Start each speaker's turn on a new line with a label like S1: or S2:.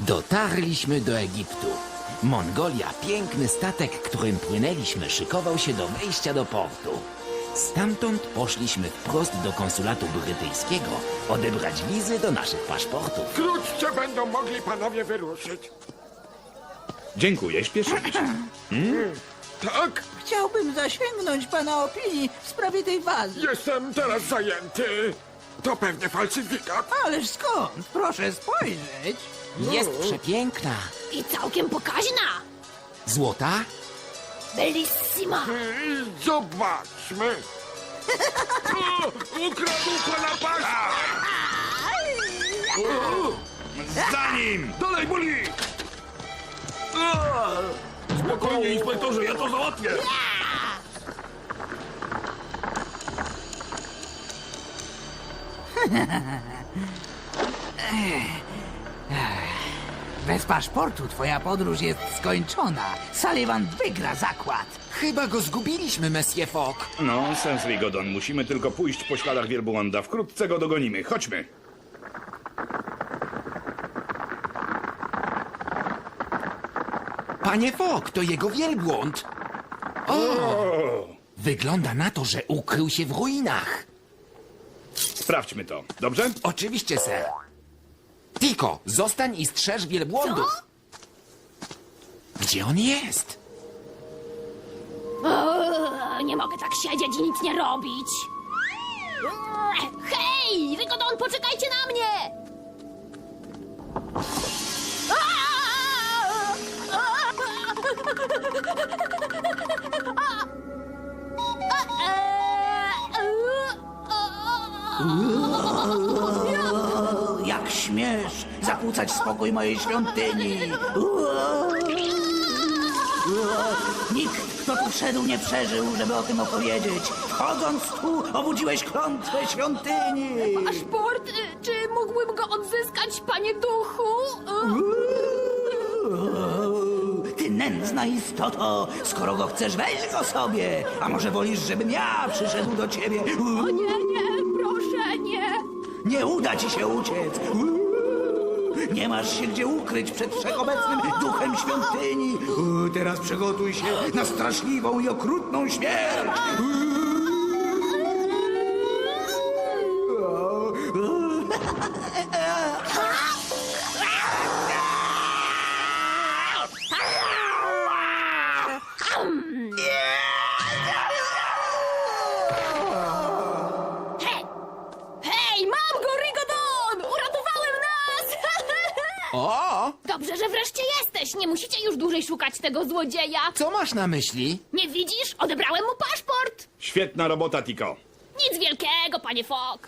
S1: Dotarliśmy do Egiptu. Mongolia, piękny statek, którym płynęliśmy, szykował się do wejścia do portu. Stamtąd poszliśmy wprost do konsulatu brytyjskiego odebrać wizy do naszych paszportów.
S2: Wkrótce będą mogli panowie wyruszyć.
S3: Dziękuję, śpieszymy się.
S2: Tak?
S4: Chciałbym zasięgnąć pana opinii w sprawie tej wazy.
S2: Jestem teraz zajęty. To pewnie falsyfikat.
S4: Ależ skąd? Proszę spojrzeć.
S1: Jest przepiękna.
S5: I całkiem pokaźna.
S1: Złota?
S5: Bellissima.
S2: Zobaczmy. O, ukradł pana paszport!
S3: Za nim!
S2: Dalej, boli! Spokojnie, inspektorze, ja to załatwię.
S4: Bez paszportu twoja podróż jest skończona. Sullivan wygra zakład.
S1: Chyba go zgubiliśmy, Monsieur Fogg.
S3: No, sens Rigodon. Musimy tylko pójść po śladach wielbłąda. Wkrótce go dogonimy. Chodźmy.
S1: Panie Fogg, to jego wielbłąd. O! Wygląda na to, że ukrył się w ruinach.
S3: Sprawdźmy to. Dobrze?
S1: Oczywiście, sir. Tiko, zostań i strzeż wielbłądów. Gdzie on jest?
S5: Nie mogę tak siedzieć i nic nie robić. Hej, Rigodon, poczekajcie na mnie!
S4: Jak śmiesz zakłócać spokój mojej świątyni? Nikt, kto tu wszedł, nie przeżył, żeby o tym opowiedzieć. Wchodząc tu, obudziłeś klątwę świątyni.
S5: Paszport, czy mógłbym go odzyskać, panie duchu?
S4: Ty nędzna istoto, skoro go chcesz, weź go sobie. A może wolisz, żebym ja przyszedł do ciebie?
S5: O nie, proszę, nie.
S4: Nie uda ci się uciec. Nie masz się gdzie ukryć przed wszechobecnym duchem świątyni. Teraz przygotuj się na straszliwą i okrutną śmierć.
S5: Hej, mam go, Rigodon! Uratowałem nas!
S1: O!
S5: Dobrze, że wreszcie jesteś. Nie musicie już dłużej szukać tego złodzieja.
S1: Co masz na myśli?
S5: Nie widzisz? Odebrałem mu paszport.
S3: Świetna robota, Tiko.
S5: Nic wielkiego, panie Fogg.